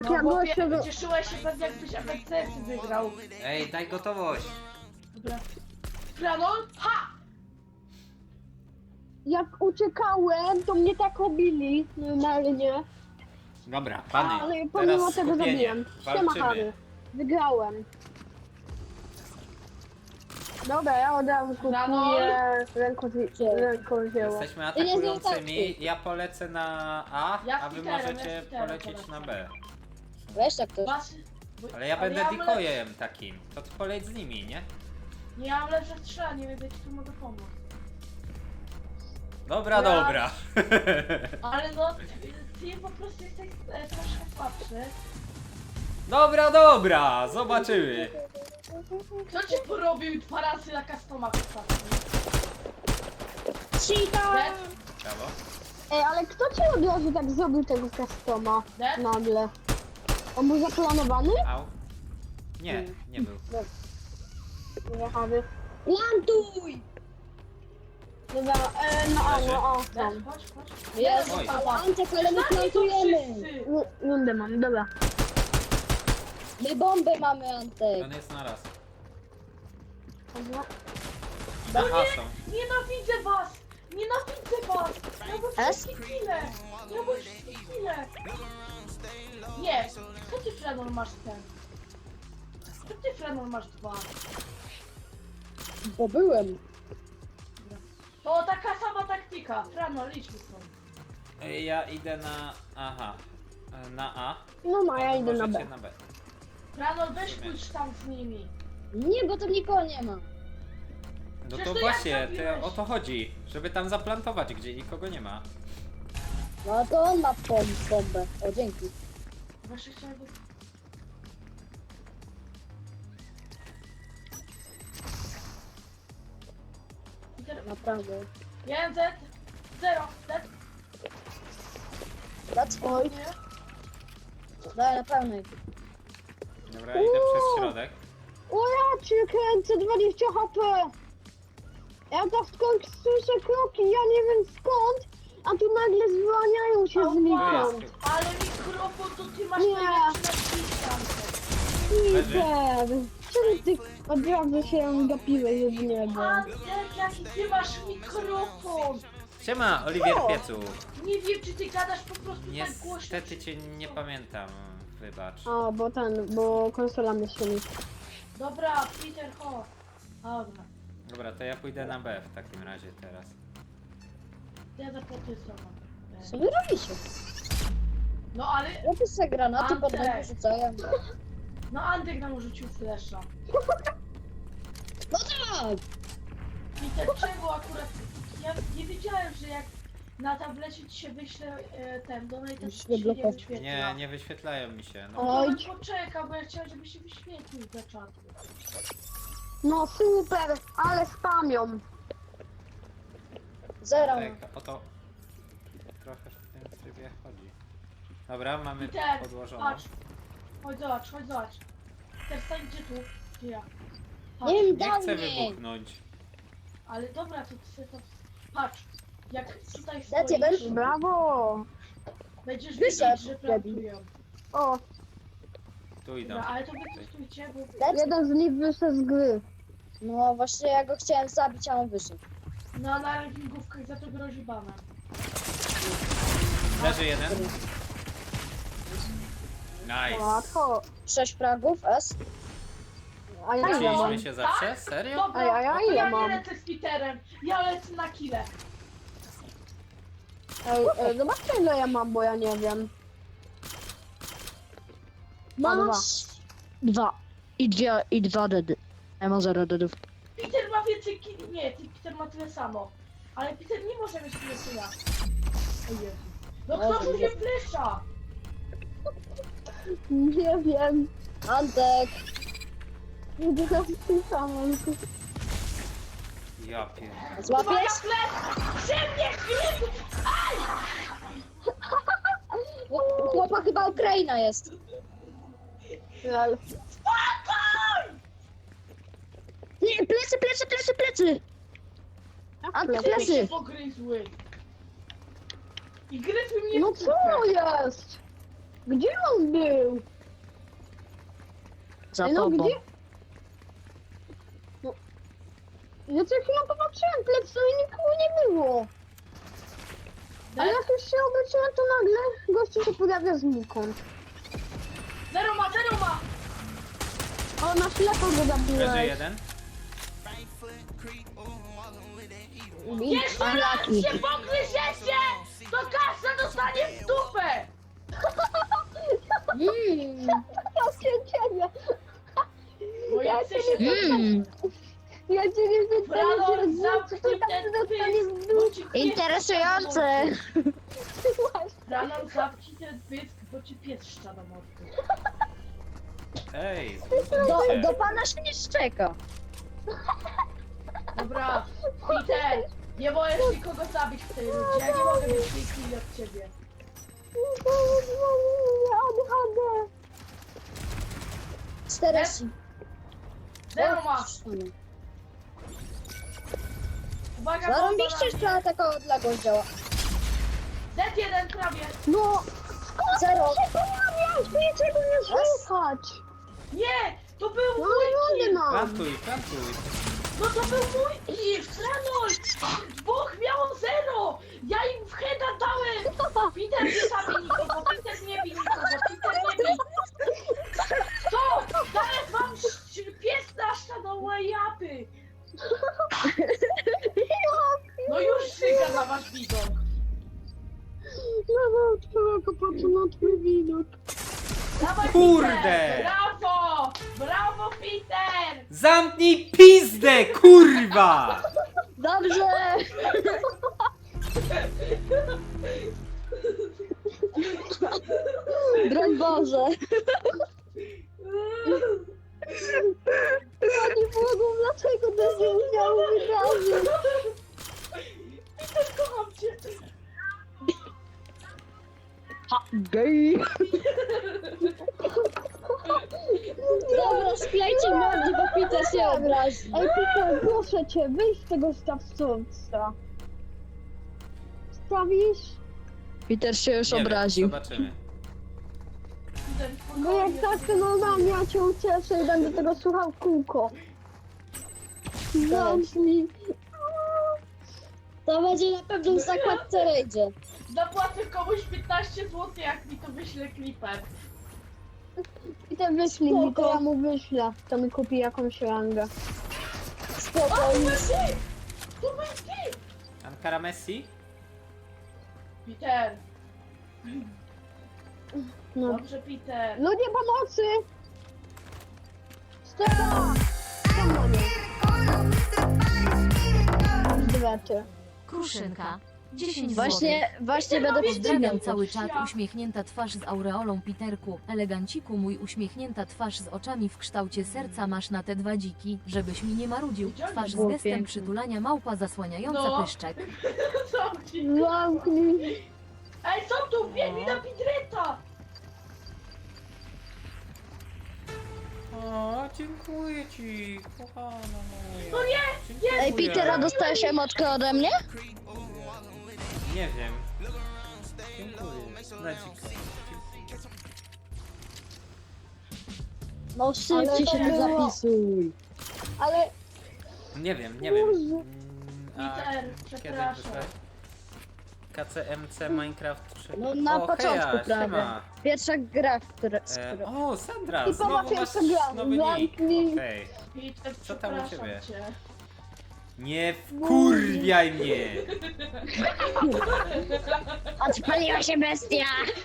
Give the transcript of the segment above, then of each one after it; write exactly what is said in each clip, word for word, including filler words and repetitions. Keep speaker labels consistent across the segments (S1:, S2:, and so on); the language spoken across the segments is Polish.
S1: No
S2: Ja
S1: bo
S2: gościu
S1: wie-
S2: do-
S1: cieszyłeś się pewnie jakbyś A B C wygrał.
S3: Ej, daj gotowość.
S1: Dobra. Franol? Ha!
S2: Jak uciekałem, to mnie tak obili normalnie.
S3: Dobra, pany,
S2: Ale
S3: teraz
S2: pomimo tego
S3: skupienie.
S2: zabiłem. Siema Harry.
S3: Walczymy.
S2: Wygrałem. Dobra, ja od razu kupuję ręko- rękodzieło.
S3: Jesteśmy
S4: Ty nie
S3: atakującymi, ja polecę na A,
S1: Ja
S3: a wy
S1: Peterem,
S3: możecie
S1: ja Peterem
S3: polecieć
S1: polecam.
S3: na B.
S4: Weź tak to.
S1: Was... bo-
S3: Ale ja będę
S1: mam
S3: decoyem takim, to ty poleć z nimi, nie?
S1: lepsze- Nie mam lepsze strzelanie, więc ja ci tu mogę pomóc.
S3: Dobra,
S1: Ja-
S3: dobra.
S1: Ale no, ty, ty po prostu jesteś e, troszkę słabszy.
S3: Dobra, dobra, zobaczymy.
S1: Kto ci porobił dwa razy na customach ostatnio?
S2: Cheater!
S1: Dead?
S3: Brawo.
S2: Ej, ale kto ci od razu tak zrobił tego customa
S1: Dead?
S2: nagle? On był zaplanowany?
S3: Au. Nie, nie był.
S2: Nie, Harry.
S4: Plantuj!
S2: Dobra, e, no a, no a,
S1: Dead?
S2: tam.
S1: Chodź, chodź.
S4: Jest,
S3: Oj.
S4: Antek, ale my
S1: Znacie to
S4: plantujemy!
S1: wszyscy!
S2: Ru- Rundę mam, dobra.
S4: My bombę mamy, Antek!
S3: On jest na raz.
S2: Dobra.
S3: Na
S1: No
S3: A
S1: nie,
S3: są.
S1: nienawidzę was! Nienawidzę was! Ja bym
S4: S?
S1: wszystkie kile! Ja bym wszystkie kile! Nie! Co ty Frenor masz ten? Co ty Frenor masz dwa?
S4: Bo byłem.
S1: To taka sama taktyka. Frenor, idźmy stąd.
S3: Ej, ja idę na... Aha. E, Na A.
S2: No ma, ja
S3: Wy
S2: idę na
S3: możecie
S2: B.
S3: na B.
S1: Frenor, weź pójdź tam z nimi.
S4: Nie, bo tam nikogo nie ma.
S3: No
S1: Przecież
S3: to
S1: to jak
S3: właśnie,
S1: zabiłeś?
S3: to o to chodzi. Żeby tam zaplantować, gdzie nikogo nie ma.
S4: No to on ma bom, bombę. O, dzięki.
S1: Właśnie chciałem... go- Peter,
S4: Naprawdę.
S1: jeden Z, zero, Z,
S4: Dać?
S2: Oj.
S1: nie?
S4: Daj na pełnej.
S3: Dobra, idę przez środek.
S2: O ja cię kręcę, dwadzieścia H P! Ja tak skąd słyszę kroki, ja nie wiem skąd, a tu nagle zwalniają się
S1: Ała.
S2: znikąd.
S1: Ale mikrofon to ty masz
S2: Nie.
S1: najlepszy na świecie.
S2: Peter, czemu ty od razu się gapiłeś z niego?
S1: Antek, jaki ty masz mikrofon?
S3: Siema, Oliwier
S2: O!
S3: Piecu.
S1: Nie wiem, czy ty gadasz po prostu tak głośno.
S3: Niestety cię nie pamiętam. Wybacz.
S2: A, bo ten, bo konsola myśli.
S1: Dobra, Peter, chodź. Dobra,
S3: Dobra, to ja pójdę na B w takim razie teraz.
S1: ja zapłacię sama.
S4: Co wy robicie?
S1: No ale,
S4: Robię sobie granaty,
S1: Antek.
S4: potem rzucają.
S1: no Antek nam rzucił flesza.
S4: No tak!
S1: Peter, czego akurat, ja nie wiedziałem, że jak na tablecie ci się wyśle e, ten donate, to
S4: Musisz
S1: ci się nie
S4: wyblokować.
S1: wyświetla.
S3: Nie, nie wyświetlają mi się. No.
S1: No
S2: Oj.
S1: to poczekaj, bo ja chciałem, żeby się wyświetlił za czatu.
S2: No super, ale spamią.
S4: Zero.
S3: Tak, o to trochę w tym trybie chodzi. Dobra, mamy
S1: Peter,
S3: podłożoną.
S1: patrz. Chodź zobacz, chodź zobacz. Peter, stań gdzie tu? Gdzie ja? Patrz.
S4: Nie wiem,
S3: Nie
S4: dał
S3: chcę
S4: mnie.
S3: wybuchnąć.
S1: Ale dobra, to ty to... Patrz, jak tutaj
S4: Dajcie,
S1: stoisz,
S4: weź.
S2: Brawo!
S1: będziesz
S4: Wyszedł,
S1: wiedzieć, że plantują.
S2: O,
S3: Tu idą.
S1: Dobra, ale to wy tu stójcie, bo...
S4: Dać?
S2: jeden z nich wyszedł z gry.
S4: No właśnie, ja go chciałem zabić, a on wyszedł.
S1: No, na rankingówkach za to grozi bana.
S3: Leży jeden. Nice.
S2: Łatwo.
S4: Sześć fragów, S.
S2: A ja ile mam?
S3: Uczyliśmy się zawsze? Serio?
S1: Dobra,
S2: Ej, a ja
S1: no to
S2: ile
S1: ja
S2: mam?
S1: nie lecę z Peterem, ja lecę na kile.
S2: Ej, ej, zobaczcie ile ja mam, bo ja nie wiem. Mam dwa.
S4: Dwa. I dwie, i dwa dedy. Ja mam zero dedów.
S1: Peter ma więcej kili, nie, ty, Peter ma tyle samo. Ale Peter nie może mieć tyle co ja. O Jezu. No
S4: Może
S1: kto użyje
S4: nie.
S1: flesza?
S2: Nie wiem.
S4: Antek!
S2: Nie wiem, tym samym.
S3: Ja pierdolę.
S4: Złapiesz?
S1: Moja fles! Że mnie chwyt!
S4: U chłopa chyba Ukraina jest.
S2: Lol.
S4: Nie, plecy, plecy, plecy, plecy! Antek,
S1: Ty mi się
S4: plecy!
S1: pogryzły. I gryzły mnie
S2: No
S1: w
S2: co
S1: kupę.
S2: jest? Gdzie on był?
S4: Za
S2: Ej, no
S4: tobą.
S2: gdzie? No. Ja co chwilę popatrzyłem plecy i nikogo nie było. Ale jak już się obróciłem, to nagle gościu się pojawia znikąd.
S1: Zero ma, zero ma!
S2: O, na ślepo go
S3: Leży
S2: zabiłeś.
S3: jeden.
S1: Jeszcze raz
S4: Unlucky.
S1: się pogryziecie, to każda dostanie w dupę!
S4: Mm.
S2: Ja cię ciebie.
S1: Bo
S2: Ja
S1: jak
S2: cię
S1: chcesz się
S2: nie
S4: Mm.
S2: Ja cię nie wycenię,
S1: Brano,
S2: że
S1: zamknij
S2: to
S1: ten
S2: tak dostanie w
S1: pysk,
S2: dół.
S1: bo ci pies
S4: Interesujące.
S1: Brano, zamknij ten pysk, bo ci pies szcza na mordę.
S3: Ej,
S4: Do,
S3: zbudujcie.
S4: do pana się nie szczeka.
S1: Dobra, Peter, nie możesz nikogo zabić w tej rundzie, ja nie mogę mieć tej chwili od ciebie.
S2: A D H D.
S4: Teraz.
S1: Zero ma! Uwaga, bomba
S4: Zarąbiście,
S1: na-
S4: że to taka odległość działa.
S1: Z jeden prawie.
S2: No,
S4: Zero.
S2: się pojawiać, niczego nie słychać.
S1: Nie, to był
S2: No
S1: mój
S2: ale
S1: kill.
S2: wody mam.
S3: Plantuj, plantuj.
S1: No to był mój kill, Franoś! Dwóch miało zero! Ja im w heada dałem! Peter nie zabij nikogo, Peter nie bij nikogo, Peter nie bij! Co? Zaraz wam sz- pies naszczał japy! No już szyga na wasz widok!
S2: No, no, twojego patrzę na twój widok.
S1: Dawaj,
S3: Kurde!
S1: Peter! Brawo! Brawo, Peter!
S3: Zamknij pizdę, kurwa!
S4: Dobrze. Broń Boże.
S2: Pani Bogu, dlaczego to się musiało wydarzyć?
S1: Peter, kocham cię!
S4: Ha, gej. Dobra, sklejcie mordy, bo Peter się obrazi.
S2: Ej, Peter, proszę cię, wyjdź z tego stawcowca. Stawisz?
S4: Peter się już
S3: Nie wiem,
S4: obraził.
S3: zobaczymy.
S1: Peter,
S2: Bo jak tak, to no na mnie, ja cię ucieszę i będę tego słuchał w kółko. Zamknij.
S4: To będzie na pewno w zakładce rejdzie.
S1: Zapłacę komuś piętnaście złotych, jak mi to wyśle klipem.
S2: I ten wyślij mi, to
S4: Spoko.
S2: ja mu wyślę. To mi kupi jakąś rangę.
S1: O, to
S4: Spokojnie.
S1: był ty! To był ty!
S3: Ankara Messi?
S1: Peter!
S2: No.
S1: Dobrze, Peter.
S2: Ludzie pomocy! Stepa! Tam mamy. Dwety.
S5: Kruszynka. dziesięć
S4: Właśnie, właśnie będę
S5: Pozdrawiam
S4: podcinał.
S5: cały czat, uśmiechnięta twarz z aureolą Piterku, eleganciku mój uśmiechnięta twarz z oczami w kształcie serca masz na te dwa dziki, żebyś mi nie marudził, twarz z
S4: Było
S5: gestem
S4: piękne.
S5: przytulania małpa zasłaniająca
S1: No.
S5: pyszczek.
S1: Zamknij.
S2: Zamknij.
S1: Ej, co tu? Biegnij na Pidreta!
S3: O, dziękuję ci, kochana moja.
S1: No nie,
S3: Dziękuję.
S4: Ej, Petera, dostałeś emotkę ode mnie?
S3: Nie wiem. Dziękuję. Lecik.
S4: No
S2: Ale
S4: szybciej
S2: to
S4: się tu
S2: było-
S4: zapisuj.
S2: Ale
S3: Nie wiem, nie wiem.
S2: Boże.
S3: Mm, a
S1: Peter,
S3: kiedy
S1: przepraszam.
S3: wyszłeś? K C M C Minecraft trzy.
S4: No na
S3: o,
S4: początku
S3: heja,
S4: prawie.
S3: siema.
S4: Pierwsza gra, która... z
S3: E,
S4: którą-
S3: o, Sandra,
S2: I
S3: znowu
S2: popatrz,
S3: masz
S2: jak to gra.
S3: nowy nick.
S2: Zamknij.
S3: Okej.
S1: Peter,
S3: Co tam u
S1: przepraszam
S3: ciebie?
S1: cię.
S3: Nie wkurwiaj mnie!
S4: Odpaliła się bestia!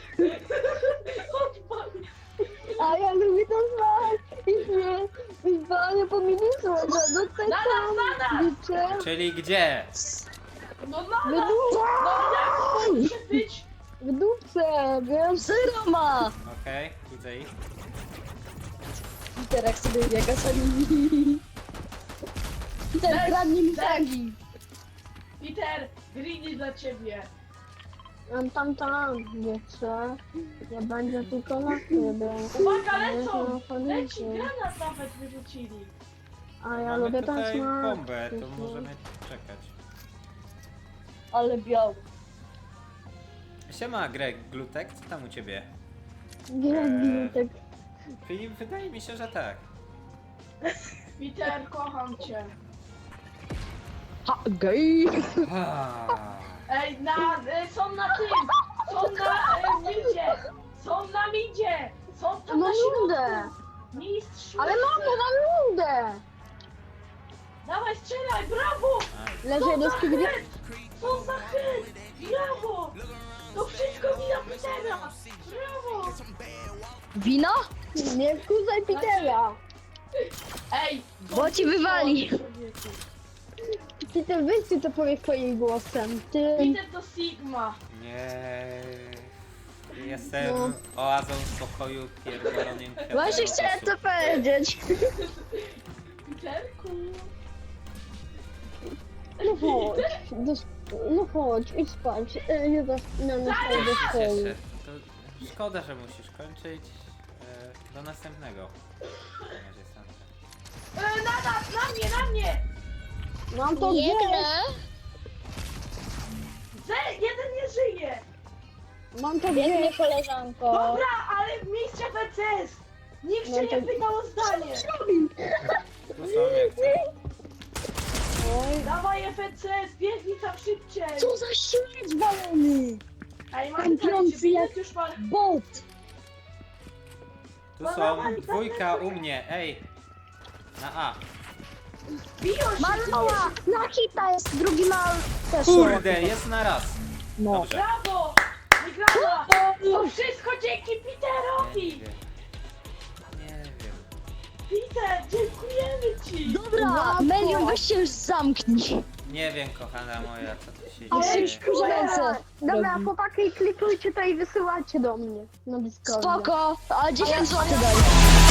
S1: Odpal.
S2: A ja lubię to znać. I nie. I panie po ministrze. No tutaj
S1: Na nas, na nas!
S2: liczę.
S3: Czyli gdzie?
S1: No na
S2: W
S1: nas!
S2: dupce.
S1: No jak może być?
S2: W dupce, wiesz?
S4: Zero ma!
S3: Okej, widzę ich.
S4: Peter, jak sobie biega sami. Peter, kradnie mi fragi.
S1: Peter, greedy dla ciebie.
S2: Tam, tam, tam. Nie chcę. Nie będzie tylko na ciebie.
S1: Uwaga,
S2: Nie
S1: lecą!
S2: chcę na
S1: Leci,
S2: policji.
S1: granat nawet wyrzucili.
S2: A ja
S3: Mamy
S2: lubię
S3: tutaj
S2: tańczyć.
S3: bombę, to możemy czekać.
S4: Ale biały.
S3: Siema Greg, Glutek, co tam u ciebie?
S2: Nie, nie, tak.
S3: Filip, wydaje mi się, że tak.
S1: Peter, kocham cię.
S2: Ha, gej!
S3: Ah.
S1: Ej, na, e, są na tym, są na e, midzie, są na midzie, są tam
S2: Mam
S1: na
S2: rundę!
S1: środku. Mistrz,
S2: Ale mamo, mam rundę!
S1: dawaj strzelaj, brawo!
S3: Aj.
S2: Leży
S1: Co
S2: jeden
S1: za
S2: z tych
S1: chęt, co za chęt, brawo! To wszystko wina Petera, brawo!
S4: Wino?
S2: Nie wkurzaj Petera!
S1: Ej,
S4: Bo ci wywali.
S2: Peter, weź ty to powiedz swoim głosem. Ty...
S1: Peter to Sigma.
S3: Nie. Jestem
S2: No.
S3: oazą spokoju pierdolonym kwiatem
S4: Właśnie chciałem
S3: lotosu.
S4: to powiedzieć.
S1: Peterku.
S2: No chodź, do... no chodź, idź spać. E, Nie da na nas do
S3: Cieszę
S2: szkoły.
S3: się. To szkoda, że musisz kończyć. E, do następnego. W takim razie, Sandra.
S1: E, na nas, na mnie, na mnie!
S2: Mam to gdzieś.
S1: Ze, jeden nie żyje!
S2: Mam to
S4: Biedny
S2: gdzieś.
S4: koleżanko.
S1: Dobra, ale mistrz F C S! Nikt
S2: No
S1: się
S2: to-
S1: nie pytał o zdanie!
S3: Tu są jak chcesz.
S2: Oj,
S1: Dawaj F C S, biegnij tam szybciej!
S4: Co za śmieć balony.
S1: Ej, mam
S4: Tam
S1: pytanie, czy
S4: piący jak-
S1: Binet już ma...
S4: Bot.
S3: Tu są dwójka u mnie, ej! Na A.
S1: Biją się!
S4: Maloła. Na hita jest, drugi ma też.
S3: Kurde, jest na raz.
S4: No.
S3: Dobrze.
S1: Brawo! Wygrana! To wszystko dzięki
S3: Nie
S1: Peterowi!
S3: wiem. Nie wiem.
S1: Peter, dziękujemy ci!
S4: Dobra, Melion, weź się już zamknij.
S3: Nie wiem, kochana moja, co tu się
S4: A
S3: dzieje.
S4: już kurze ręce.
S2: dobra,
S4: robi.
S2: chłopaki, klikujcie to i wysyłajcie do mnie na Discordzie.
S4: Spoko, a dziesięć złotych daj.